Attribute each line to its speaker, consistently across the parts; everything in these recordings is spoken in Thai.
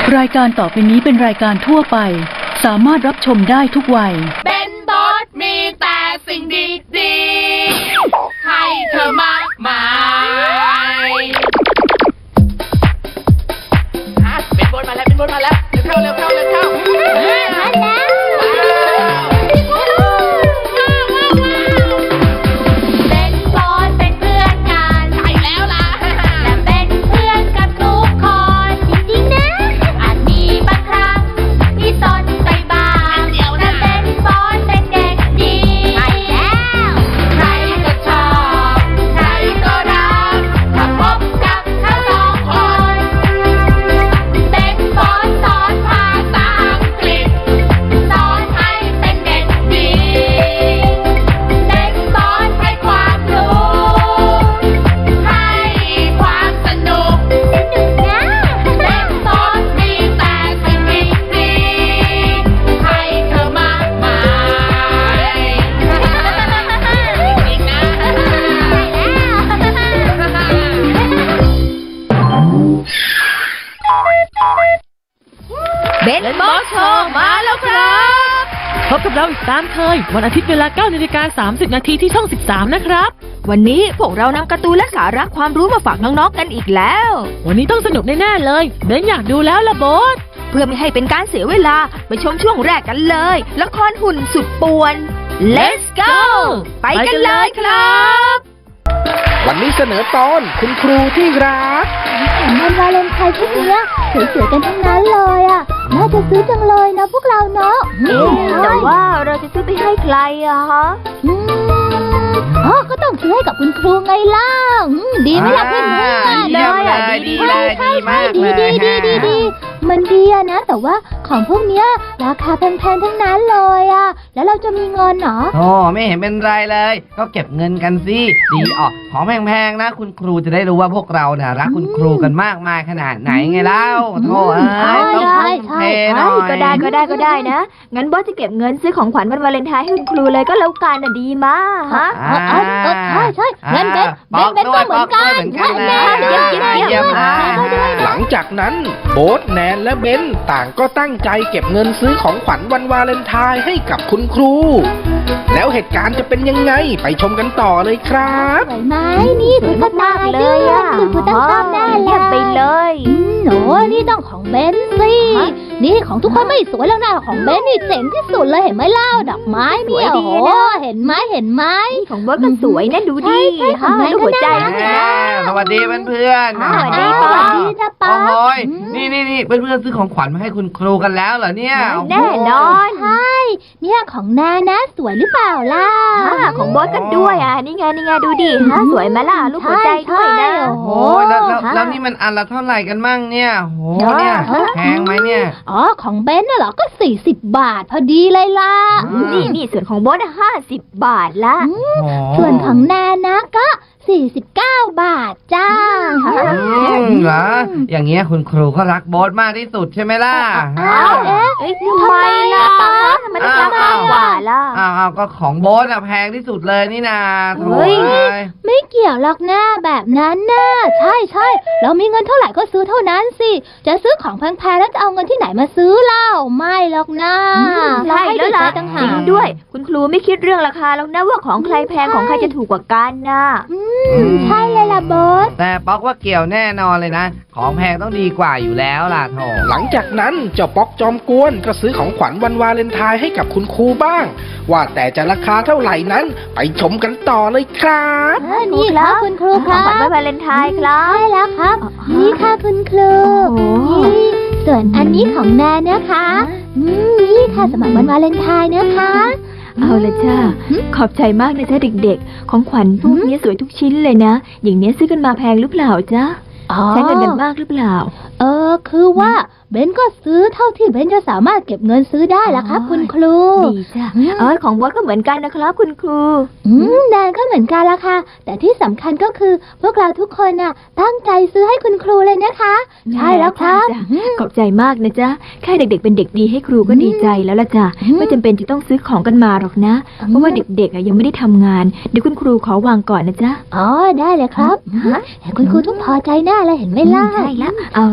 Speaker 1: รายการต่อไปนี้เป็นรายการทั่วไปสามารถรับชมได้ทุกวัย
Speaker 2: เป็นบอสมีแต่สิ่งดีๆให้เธอมากมายเป็นบอสมาแล้วเป็นบอสมาแล้วเร็วเข้าเร็วเข้าเร็วเข้ามาแล้ว
Speaker 3: เป็นบอสเป็นเพื่อนกัน
Speaker 2: ใช่แล้วล่ะ
Speaker 3: และเป็นเพื่อนกับทุกคนจริงๆนะอาจมีบางครั้งที่สนใจบ้างแต่เป็นบอสเป็นเด็กดีใช่แล้ว
Speaker 2: ใครก็ชอบใครก็รักถ้าพบกับเขาสองคน
Speaker 3: เป็นบอสสอนภาษาอังกฤษสอนให้เป็นเด็กดีเป็นบอสให้ความรู้
Speaker 2: ให้ความสนุก
Speaker 3: นะ
Speaker 2: เป็นบอสมีแต่สิ่งดีๆให้เธอมากมายจริงนะ
Speaker 4: เบนบอสโชว์มาแล้วครับพบกับเราอีกตามเคยวันอาทิตย์เวลา 9:30 นาทีที่ช่อง 13 นะครับ วันนี้พวกเรานำการ์ตูนและสาระความรู้มาฝากน้องๆกันอีกแล้ว วันนี้ต้องสนุกแน่ๆเลยเบนอยากดูแล้วล่ะโบสเพื่อไม่ให้เป็นการเสียเวลาไปชมช่วงแรกกันเลยละครหุ่นสุดป่วน Let's go ไปกันเลยครับ
Speaker 5: วันนี้เสนอตอนคุณครูที่รัก
Speaker 6: วันวาเลนไทน์พวกเนี้ยสวยๆกันทั้งนั้นเลยอ่ะน่าจะซื้อจังเลยนะพวกเราเนาะ
Speaker 4: แต่ว่าเราจะซื้อไปให้ใครอะฮะ
Speaker 6: ก็ต้องซื้อให้กับคุณครูไงล่ะดีไหมล่ะเพื่อนๆ
Speaker 5: เลยอ่ะดีเลยดีมากเลย
Speaker 6: ดีมันดีอะนะแต่ว่าของพวกเนี้ยราคาแพงๆทั้งนั้นเลยอ่ะแล้วเราจะมีเงินเหรอ
Speaker 5: โอ้ไม่เห็นเป็นไรเลยก็เก็บเงินกันสิดีออกของแพงๆนะคุณครูจะได้รู้ว่าพวกเราเนี่ยรักคุณครูกันมากมายขนาดไหนไงเล่าโธ่ต้องเทหน่อย
Speaker 4: ก็ได้นะงั้นบอสจะเก็บเงินซื้อของขวัญวันวาเลนไทน์ให้คุณครูเลยก็แล้วกันน่ะดีมากฮะ
Speaker 6: ใช่งั้นเบนก็เหมือนกัน
Speaker 5: เยี่ยมหลังจากนั้นโบ๊ทแนนและเบนต่างก็ตั้งใจเก็บเงินซื้อของขวัญวันวาเลนไทน์ให้กับคุณครูแล้วเหตุการณ์จะเป็นยังไงไปชมกันต่อเลยครับ
Speaker 6: สวยไหมนี่สวยมากเลยอ่ะคุณครูตั้งชอบแน่เลย
Speaker 4: ไปเลย
Speaker 6: หนูนี่ต้องของเบนสินี่ของทุกคนไม่สวยแล้วนะของเบนนี่เจ๋งที่สุดเลยเห็นไหมเล่าดอกไม้เนี่ยโอ้เห็นไหม
Speaker 4: ของบอสก็สวยนะดูดิ
Speaker 6: ดู
Speaker 4: หัวใจ
Speaker 5: สวัสดีเพื่อน
Speaker 4: สวัสดี
Speaker 6: ป้า
Speaker 5: โอ้โหนี่เพื่อนซื้อของขวัญมาให้คุณครูกันแล้วเหรอเนี่ย
Speaker 4: แน่นอน
Speaker 6: ใช่เนี่ยของนานะสวยหรือเปล่าล่ะ
Speaker 4: ของบอสกันด้วยอ่ะนี่ไงดูดิสวยไหมล่ะลูกหัวใจด้วยนะ
Speaker 5: โอ้โหแล้วนี่มันอันละเท่าไหร่กันมั่งเนี่ยโหเนี่ยแพงไหมเนี่ย
Speaker 6: ของเบนน่ะเหรอก็40 บาทพอดีเลยล่ะ
Speaker 4: นี่ส่วนของบอส50 บาทละ
Speaker 6: ส่วนของนานะก็49 บาทจ้า
Speaker 5: เหรออย่างเงี้ยคุณครูก็รักโบ๊ทมากที่สุดใช่ไหมล่ะ
Speaker 4: ทำไมล่ะมันจะมากกว่าล่ะ
Speaker 5: ก็ของโบ๊ทอะแพงที่สุดเลยนี่นา
Speaker 6: ไม่เกี่ยวหรอกนะแบบนั้นนะใช่เรามีเงินเท่าไหร่ก็ซื้อเท่านั้นสิจะซื้อของแพงๆแล้วจะเอาเงินที่ไหนมาซื้อเล่าไม่หรอกนะ
Speaker 4: ใช่แล้วล่ะจริงด้วยคุณครูไม่คิดเรื่องราคาหรอกนะว่าของใครแพงของใครจะถูกกว่ากันนะ
Speaker 6: ใช่เลยล่ะบอส
Speaker 5: แต่ป๊อกว่าเกี่ยวแน่นอนเลยนะของแพงต้องดีกว่าอยู่แล้วล่ะโถหลังจากนั้นเจ้าป๊อกจอมกวนก็ซื้อของขวัญวันวาเลนไทน์ให้กับคุณครูบ้างว่าแต่จะราคาเท่าไหร่นั้นไปชมกันต่อเลยครับ
Speaker 6: นี่ครับคุณครูครับ
Speaker 4: ของขวัญวันวาเลนไทน์ครับ
Speaker 6: ใช่แล้วครับนี่ค่ะคุณครูนี่ส่วนอันนี้ของแนนนะคะนี่ค่ะสำหรับวันวาเลนไทน์นะคะ
Speaker 4: เอาละจ้าขอบใจมากนะจ๊ะเด็กๆของขวัญพวกนี้สวยทุกชิ้นเลยนะอย่างนี้ซื้อกันมาแพงหรือเปล่าจ๊ะใช้เงินกันมากหรือเปล่า
Speaker 6: คือว่าเบนก็ซื้อเท่าที่เบนจะสามารถเก็บเงินซื้อได้แล้วครับคุณครู
Speaker 4: ดีจ้ะของบอสก็เหมือนกันนะครับคุณครู
Speaker 6: แนนก็เหมือนกันละค่ะแต่ที่สำคัญก็คือพวกเราทุกคนน่ะตั้งใจซื้อให้คุณครูเลยนะคะใช่แล้วครับ
Speaker 4: ขอบใจมากนะจ๊ะแค่เด็กๆเป็นเด็กดีให้ครูก็ดีใจแล้วล่ะจ้ะไม่จำเป็นจะต้องซื้อของกันมาหรอกนะเพราะว่าเด็กๆยังไม่ได้ทำงานเดี๋ยวคุณครูขอวางก่อนนะจ๊ะ
Speaker 6: ได้เลยครับคุณครูทุกพอใจแน่เลยเห็นไหมล่ะ
Speaker 4: ใช่แล้วเอาละจ้ะ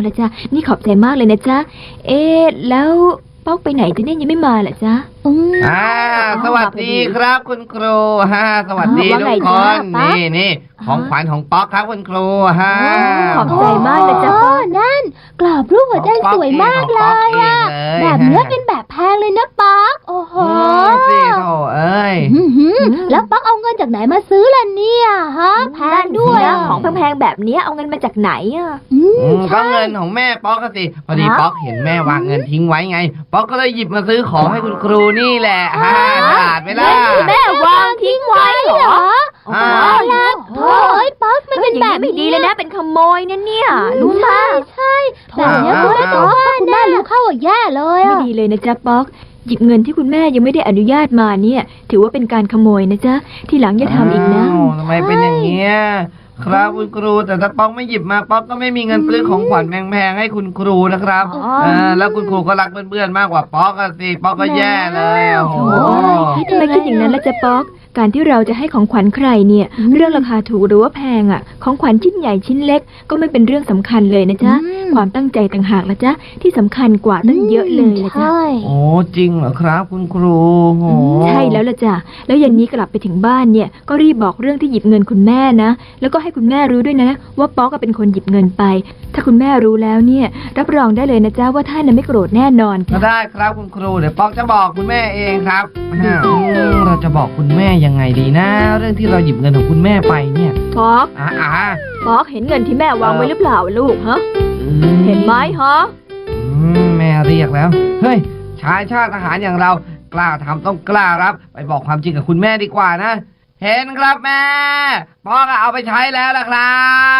Speaker 4: นี่ขอบใจมากเลยนะจ๊ะ แล้วป๊อกไปไหนจะเนี่ยยังไม่มาเหรอจ๊ะ
Speaker 7: สวัสดีครับคุณครูสวัสดี
Speaker 4: ว่า
Speaker 7: ทุ
Speaker 4: ไง
Speaker 7: กค
Speaker 4: จ๊ะ
Speaker 7: น
Speaker 4: ป๊อก
Speaker 7: นี่ของขวัญของป๊อกครับคุณครู
Speaker 4: ขอบใจมากเลยจ้ะ
Speaker 6: โอ้นั่น กรอบรูปหัวใจสวยมากเลยอะ แบบเนี้ยเป็นแบบแพงเลยนะป๊อกโอ้โห
Speaker 7: สิโถเอ้ย
Speaker 6: แล้วป๊อกเอาเงินจากไหนมาซื้อล่ะเนี่ยฮะแพงด้วย
Speaker 4: ของแพงๆแบบเนี้ยเอาเงินมาจากไหนอ่ะ
Speaker 7: ก็เงินของแม่ป๊อกก็สิพอดีป๊อกเห็นแม่วางเงินทิ้งไว้ไง ป๊อกก็เลยหยิบมาซื้อของให้คุณครูนี่แหละตลาดไหมล่ะ
Speaker 4: แม่วางทิ้งไว้เหรอ
Speaker 7: อ่า
Speaker 6: โอ้ยป๊อกมันเป็นแบบ
Speaker 4: ไม่ดีเลยนะเป็นขโมยนะเนี่ยรู้ไหม
Speaker 6: ใช่แบบเนี้ยคุณแม่ป๊อกคุณแม่รู้เข้าแย่เลย
Speaker 4: ไม่
Speaker 6: อะ
Speaker 4: ดีเลยนะจ๊ะป๊อกหยิบเงินที่คุณแม่ยังไม่ได้อนุญาตมาเนี่ย ถือว่าเป็นการขโมยนะจ๊ะทีหลังอย่าทำอีกนะ
Speaker 7: อ้าวทำไมเป็นอย่างเงี้ยครับคุณครูแต่ถ้าป๊อกไม่หยิบมาป๊อกก็ไม่มีเงินซื้อของขวัญแพงๆให้คุณครูนะครับแล้วคุณครูก็รักเพื่อนๆมากกว่าป๊อกอะสิป๊อกก็แย่เลยโอ้โห
Speaker 4: ทำไมคิดอย่างนั้นล่ะจ๊ะป๊อกการที่เราจะให้ของขวัญใครเนี่ย เรื่องราคาถูกหรือว่าแพงอ่ะของขวัญชิ้นใหญ่ชิ้นเล็กก็ไม่เป็นเรื่องสำคัญเลยนะจ๊ะความตั้งใจต่างหากละจ๊ะที่สำคัญกว่าตั้งเยอะเลยนะจ๊ะ
Speaker 7: โอ้จริงเหรอครับคุณครูโอ้
Speaker 4: ใช่แล้วล่ะจ้ะแล้วเย็นนี้กลับไปถึงบ้านเนี่ยก็รีบบอกเรื่องที่หยิบเงินคุณแม่นะแล้วก็ให้คุณแม่รู้ด้วยนะว่าป๊อกก็เป็นคนหยิบเงินไป ถ้าคุณแม่รู้แล้วเนี่ยรับรองได้เลยนะจ๊ะว่าท่านน่ะไม่โกรธแน่นอน
Speaker 7: ก็
Speaker 4: จ้ะ
Speaker 7: ได้ครับคุณครูเดี๋ยวป๊อกจะบอกคุณแม่เองครับเราจะบอกคุณแม่ยังไงดีนะ เรื่องที่เราหยิบเงินของคุณแม่ไปเนี่ย
Speaker 4: ป๊อก
Speaker 7: อ่า
Speaker 4: ป๊อกเห็นเงินที่แม่วางไว้หรือเปล่าลูกฮะเห็นไหมฮะ
Speaker 7: แม่เรียกแล้วเฮ้ยชายชาติทหารอย่างเรากล้าทำต้องกล้ารับไปบอกความจริงกับคุณแม่ดีกว่านะเห็นครับแม่ป๊อกเอาไปใช้แล้วล่ะครับ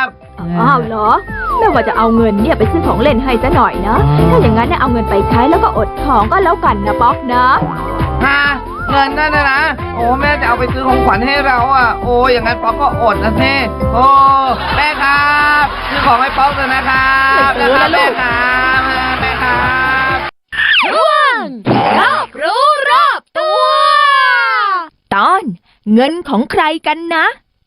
Speaker 4: อ้าวเหรอแม่ว่าจะเอาเงินเนี่ยไปซื้อของเล่นให้ซะหน่อยนะถ้าอย่างนั้นเนี่ยเอาเงินไปใช้แล้วก็อดของก็แล้วกันนะป๊อกนะ
Speaker 7: ฮะเงินนั่นนะโอ้แม่จะเอาไปซื้อของขวัญให้เราอ่ะโอ้อย่างนั้นป๊อกก็อดนะเท่โอ้แม่ครับซื้อของให้ป๊อกเลยนะครับนะครับแม่ครับแม่ครับ
Speaker 4: รอบรู้รอบตัว ตอนเงินของใครกันนะ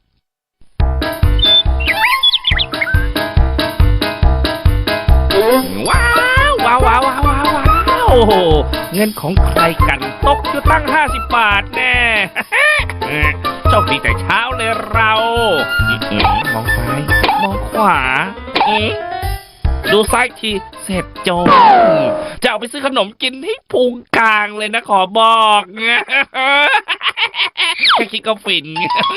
Speaker 8: ว้าวว้าวว้าวว้าวว้าวว้าวโอ้โหเงินของใครกันตกอยู่ตั้ง50 บาทแน่ โชคดีแต่เช้าเลยเรามองซ้ายมองขวาดูซ้ายทีเสร็จโจจะเอาไปซื้อขนมกินให้พุงกลางเลยนะขอบอก แค่คิดก็ฟิน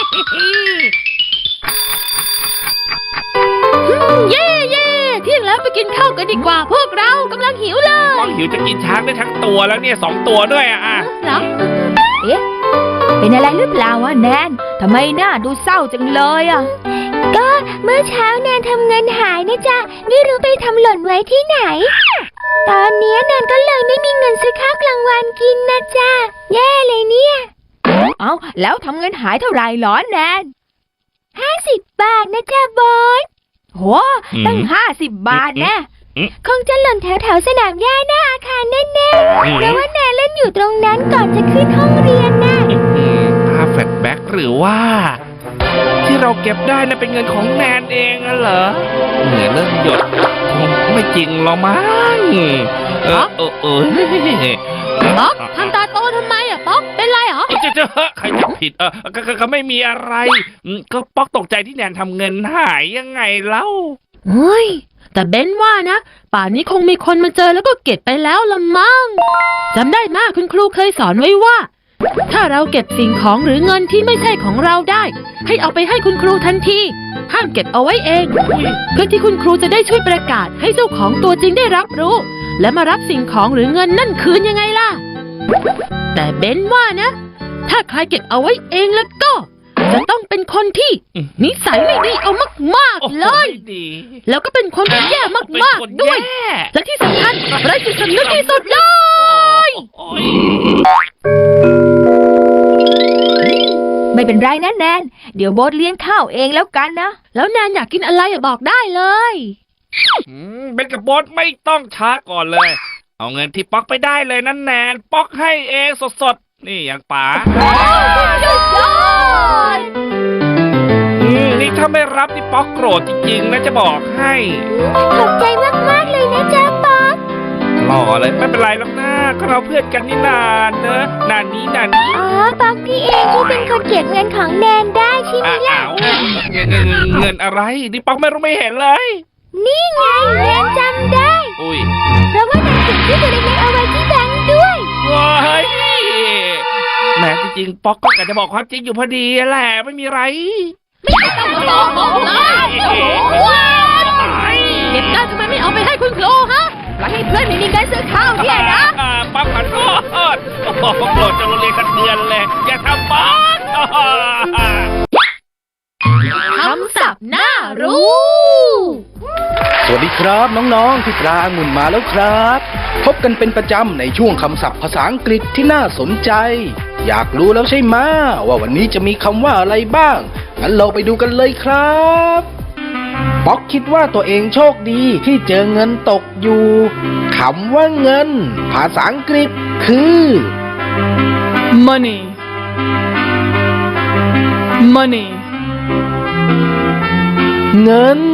Speaker 2: เย่เย่เที่ยงแล้วไปกินข้าวกันดีกว่า พวกเรากำลังหิวเลย
Speaker 8: มองหิวจะกินช้างได้ทั้งตัวแล้วเนี่ย2 ตัวด้วยอ่ะ
Speaker 2: เหรอ
Speaker 4: เป็นอะไรหรือเปล่าวะแนนทำไมหน้าดูเศร้าจังเลยอ่ะ
Speaker 3: ก็เมื่อเช้าแนนทำเงินหายนะจ๊ะไม่รู้ไปทำหล่นไว้ที่ไหน ตอนนี้แนนก็เลยไม่มีเงินซื้อข้าวกลางวันกินนะจ๊ะแย่เลยเนี่ย
Speaker 4: เอ้าแล้วทำเงินหายเท่าไหร่หรอแนน
Speaker 3: 50 บาทนะจ๊ะบอส
Speaker 4: โหตั้ง50 บาทแน่
Speaker 3: คงจะหล่นแถวๆสนามหญ้าหน้าอาคารแน่ๆเพราะว่าแนนเล่นอยู่ตรงนั้นก่อนจะขึ้นห้องเรียนน่ะ
Speaker 8: ภาพแฟลชแบ็กหรือว่า ที่เราเก็บได้น่ะเป็นเงินของแนนเองอะเหรอเหงื่อเริ่มหยดคงไม่จริงหรอกมั้ง
Speaker 2: ป๊อกทำตาโตทำไมอ่ะป๊อกเป็นไรเหรอ
Speaker 8: จะใครจะผิดก็ไม่มีอะไรก็ป๊อกตกใจที่แนนทำเงินหายยังไงเล่า
Speaker 2: เฮ้ยแต่เบนว่านะป่านนี้คงมีคนมาเจอแล้วก็เก็บไปแล้วละมั้งจำได้มากคุณครูเคยสอนไว้ว่า ถ้าเราเก็บสิ่งของหรือเงินที่ไม่ใช่ของเราได้ให้เอาไปให้คุณครูทันทีห้ามเก็บเอาไว้เองเพื่อที่คุณครูจะได้ช่วยประกาศให้เจ้าของตัวจริงได้รับรู้และมารับสิ่งของหรือเงินนั่นคืนยังไงล่ะแต่เบนว่านะถ้าใครเก็บเอาไว้เองแล้วก็จะต้องเป็นคนที่นิสัยไม่ดีเอามากๆเลย แล้วก็เป็นคนแย่มากๆด้วย และที่สำคัญไร้จิตสำนึกที่สุดเลย
Speaker 4: ไม่เป็นไรนะแนนเดี๋ยวโบ๊ทเลี้ยงข้าวเองแล้วกันนะ
Speaker 2: แล้วแนนอยากกินอะไรบอกได้เลย
Speaker 8: เบนกับโบ๊ทไม่ต้องช้าก่อนเลย เอาเงินที่ป๊อกไปได้เลยนั่นแนนป๊อกให้เองสดๆนี่อย่างป๋านี่ถ้าไม่รับนี่ป๊อกโกรธจริงๆนะจะบอกให้
Speaker 3: ขอบใจมากๆเลยนะ
Speaker 8: เลยไม่เป็นไรหรอกนะก็เราเพื่อนกันนี่นานเนอะนานนี้
Speaker 6: อ๋อป๊อกนี่เองที่เป็นคนเก็บเงินของแนนได้ใช่ไหมล่ะ
Speaker 8: เงินอะไรนี่ป๊อกไม่รู้ไม่เห็นเลย
Speaker 6: นี่ไงแนนจำได้
Speaker 8: อุ้ย
Speaker 6: เพราะว่าแนนเก็บที่ตัวเล็กๆเอาไว้ที่แบงค์ด้วย
Speaker 8: ว้ายแหมจริงๆป๊อกก็กะจะบอกความจริงอยู่พอดีแหละไม่มีไร
Speaker 2: เก็บได้ทำไมไม่เอาไปให้คุณครูฮะ
Speaker 4: แล้วให้เพื่อนไม่มีเงินซื้อข้าวเนี่ยนะ
Speaker 8: ป๊อกขอโทษโอ้โหโกรธจะโรงเรียนกันเดือนเลยอย่าทำป๊อก
Speaker 2: คำศัพท์น่ารู้
Speaker 5: สวัสดีครับน้องๆพี่ปลาองุ่นมาแล้วครับ พบกันเป็นประจำในช่วงคำศัพท์ภาษาอังกฤษที่น่าสนใจ อยากรู้แล้วใช่ไหมว่าวันนี้จะมีคำว่าอะไรบ้างงั้นเราไปดูกันเลยครับป๊อกคิดว่าตัวเองโชคดีที่เจอเงินตกอยู่คำว่าเงิน ภาษาอังกฤษคือ
Speaker 1: money money
Speaker 5: เงิน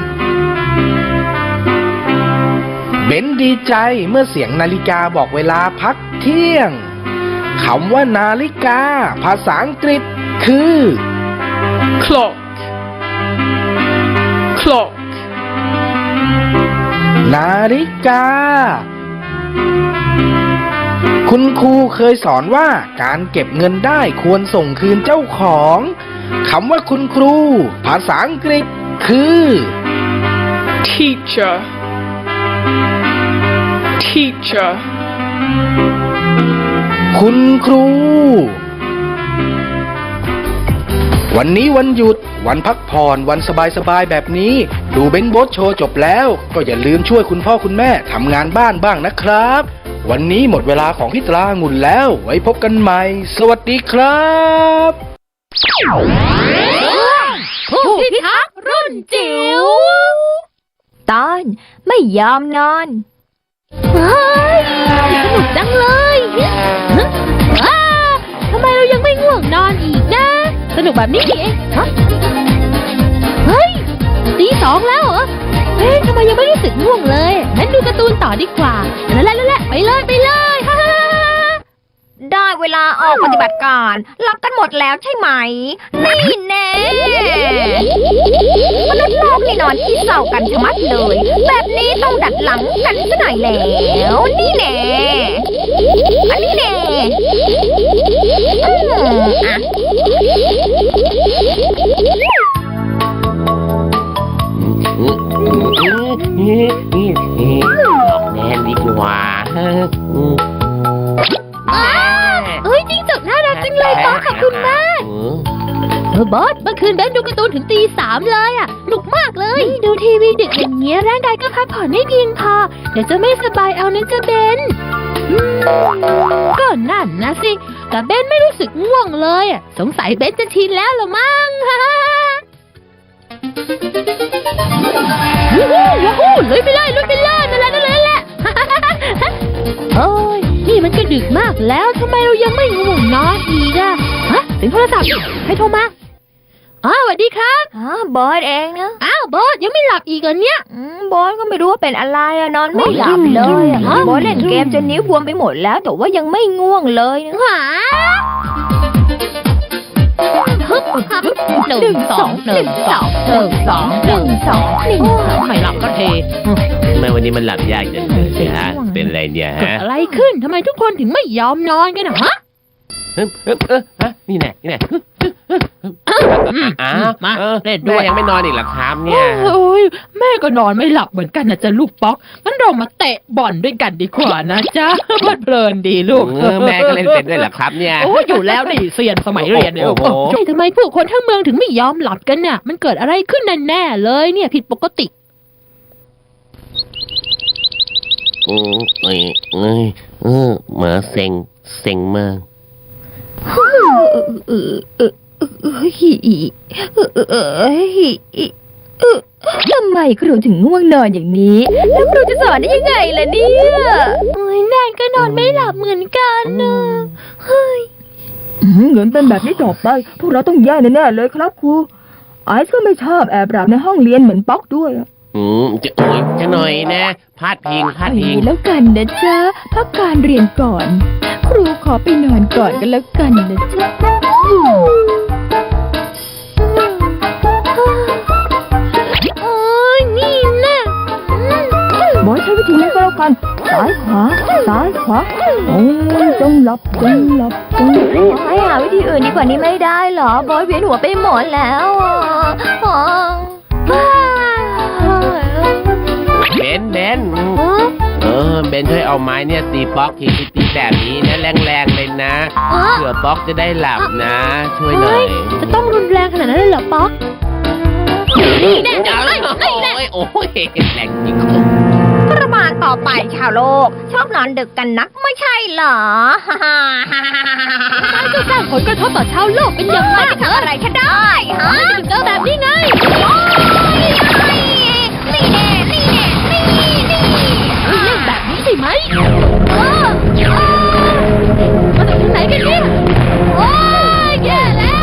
Speaker 5: เบนดีใจเมื่อเสียงนาฬิกาบอกเวลาพักเที่ยงคำว่านาฬิกา ภาษาอังกฤษคือ
Speaker 1: clock clock
Speaker 5: นาฬิกา คุณครูเคยสอนว่าการเก็บเงินได้ควรส่งคืนเจ้าของคำว่าคุณครู ภาษาอังกฤษคือ
Speaker 1: teacher teacher
Speaker 5: คุณครู วันนี้วันหยุดวันพักผ่อนวันสบายๆแบบนี้ดูเบนโบสโชว์จบแล้วก็อย่าลืมช่วยคุณพ่อคุณแม่ทำงานบ้านบ้างนะครับ วันนี้หมดเวลาของพี่ตราองุ่นแล้วไว้พบกันใหม่ สวัสดีครับ
Speaker 2: ผู้พิทักษ์รุ่นจิ๋ว
Speaker 4: ตอนไม่ยอมนอน
Speaker 2: สนุกจังเลยว้าทำไมเรายังไม่ง่วงนอนอีกนะ สนุกแบบนี้นี่เองฮะเฮ้ยตี 2แล้วเหรอเฮ้ยทำไมยังไม่รู้สึกง่วงเลยงั้นดูการ์ตูนต่อดีกว่าแล้วไปเลยฮ่า
Speaker 4: ได้เวลาออกปฏิบัติการหลับกันหมดแล้วใช่ไหม นี่แน่มนุษย์โลกนี่นอนที่เศร้ากันชะมัดเลย แบบนี้ต้องดัดหลังกันซะหน่อยแล้ว นี่แน่อันนี้แน่อ่ะ
Speaker 8: บอกแนนดีกว่า
Speaker 2: เอ้ยจิ้งจกน่ารักจังเลยป๊อกขอบคุณมากบอสเมื่อคืนเบนดูการ์ตูนถึงตี 3เลยอ่ะหนุกมากเลยดูทีวีดึกอย่างเงี้ยร่างกายก็พักผ่อนไม่เพียงพอเดี๋ยวจะไม่สบายเอานะจ๊ะเบนก็นั่นนะสิแต่เบนไม่รู้สึกง่วงเลยอ่ะสงสัยเบนจะชินแล้วละมั้งว้าวลุยไปเลยนั่นแหละโอ้ยนี่มันก็ดึกมากแล้วทำไมเรายังไม่ง่วงนอนอีกอะฮะถึงโทรศัพท์ใครโทรมาอ๋อสวัสดีครับ
Speaker 4: บอสเองนะ
Speaker 2: อ้าวบอสยังไม่หลับอีกเหรอเนี่ย
Speaker 4: บอสก็ไม่รู้ว่าเป็นอะไรอะนอนไม่หลับเลยอะบอสเล่นเกมจนนิ้วบวมไปหมดแล้วแต่ว่ายังไม่ง่วงเลยนะ
Speaker 2: หา1 2 1 2 ไม่หลับก็เท
Speaker 9: ทำไมวันนี้มันหลับยากจังเลยเนี่ยฮะ เป็นอะไรเนี่ยฮะ
Speaker 2: อะไรขึ้นทำไมทุกคนถึงไม่ยอมนอนกันนะฮะ
Speaker 9: ฮะนี่แน่อ้าว
Speaker 2: มา
Speaker 9: เล่น
Speaker 2: ด้
Speaker 9: ด้
Speaker 2: ว
Speaker 9: วย ยยังไม่นอนอีกเหรอครับเนี่ย
Speaker 2: โอ้ยแม่ก็นอนไม่หลับเหมือนกันนะจ๊ะลูกป๊อกงั้นเรามาเตะบอลด้วยกันดีกว่านะจ๊ะเพลินดีลูก
Speaker 9: แม่ก็เล่นเป็นด้วยเหรอครับเนี่ย
Speaker 2: โอ้อยู่แล้วนี่เซียนสมัยเรียนเนี่ย
Speaker 9: โอ้โห
Speaker 2: ใช่ทำไมผู้คนทั้งเมืองถึงไม่ยอมหลับกันน่ะ มันเกิดอะไรขึ้นแน่ๆเลยเนี่ยผิดปกติ
Speaker 9: เหมือเซ็งเมือง
Speaker 4: ทำไมครูถึงง่วงนอนอย่างนี้ แล้วครูจะสอนได้ยังไงล่ะเนี่ย
Speaker 2: โอ้ยแนนก็นอนไม่หลับเหมือนกันนะเฮ้ย
Speaker 10: เงินเป็นแบบนี้ต่อไป พวกเราต้องแย่แน่ๆเลยครับครูไอซ์ก็ไม่ชอบแอบหลับในห้องเรียนเหมือนป๊อกด้วยอะ
Speaker 9: จะโอ้ยจะหน่อยนะพาดพิง
Speaker 10: เอาอย่างนี้แล้วกันนะจ๊ะพักการเรียนก่อน ครูขอไปนอนก่อนกันแล้วกันนะจ๊ะ
Speaker 3: โอ้ยนี่นะ
Speaker 10: บอยใช้วิธีนี้ก็แล้วกันซ้ายขวาซ้ายขวาโอ้ยจงหลับจงหลับจงหลับ
Speaker 4: ให้หาวิธีอื่นดีกว่านี้ไม่ได้เหรอบอยเวียนหัวไปหมดแล้วอ่ะอ๋อ
Speaker 9: เบนเบนช่วยเอาไม้เนี่ยตีป๊อกทีตีแบบนี้นะแรงๆเลยนะเผื่อป๊อกจะได้หลับนะ ช่วยหน่อย
Speaker 2: จะต้องรุนแรงขนาดนั้นเลยเหรอป๊อก
Speaker 9: นี่แน่โอ้ยแรงจริง
Speaker 4: ประมาณต่อไปชาวโลก ชอบนอนดึกกันนักไม่ใช่เหรอ
Speaker 2: จะสร้างผลกระทบต่อชาวโลกเป็นอย่างมาก
Speaker 4: ทำอะไรฉันได้ฮะ
Speaker 2: ถึงเจอแบบนี้ไง
Speaker 4: นี่แน่นี่แน่นี่นี่
Speaker 2: เล่นแบบนี้ใช่ไหมมาจากที่ไหนกันเนี่ย
Speaker 3: โอ้ยแย่แล้ว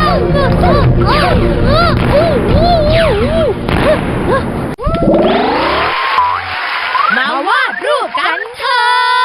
Speaker 2: มาวาดรูปกันเถอะ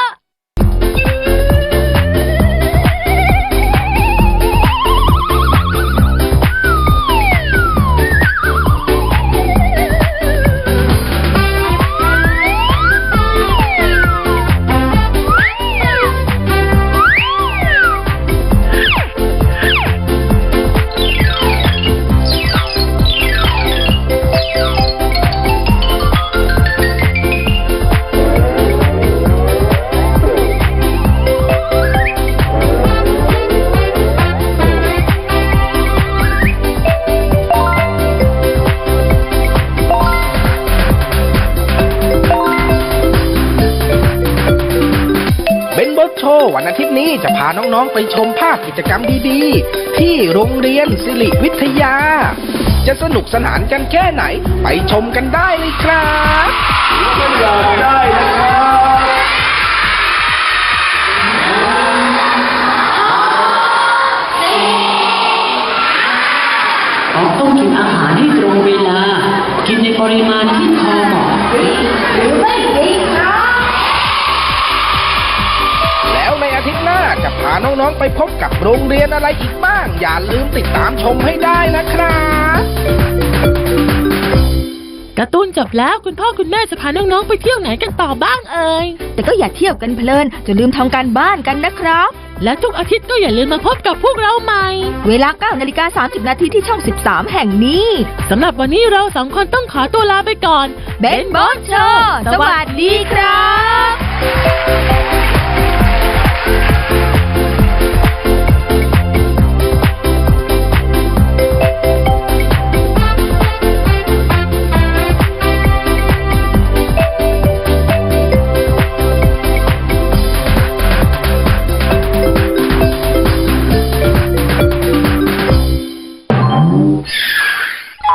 Speaker 5: เบนเบิร์กโชว์วันอาทิตย์นี้จะพาน้องๆไปชมภาพกิจกรรมดีๆ ที่โรงเรียนสิริวิทยา จะสนุกสนานกันแค่ไหนไปชมกันได้เลยครับ
Speaker 11: ต้องกินอาหารให้ตรงเวลา กินในปริมาณที่พอเหมาะ
Speaker 5: แล้วในอาทิตย์หน้าจะพาน้องๆไปพบกับโรงเรียนอะไรอีกบ้าง อย่าลืมติดตามชมให้ได้นะครับ
Speaker 2: การ์ตูนจบแล้วคุณพ่อคุณแม่จะพาน้องๆไปเที่ยวไหนกันต่อบ้างเอ่ย
Speaker 4: แต่ก็อย่าเที่ยวกันเพลินจะลืมทำการบ้านกันนะครับ
Speaker 2: และทุกอาทิตย์ก็อย่าลืมมาพบกับพวกเราใหม่
Speaker 4: เวลา 9:30 นาทีที่ช่อง 13 แห่งนี้
Speaker 2: สำหรับวันนี้เราสองคนต้องขอตัวลาไปก่อน
Speaker 4: เบนบอสโชว์สวัสดีครับ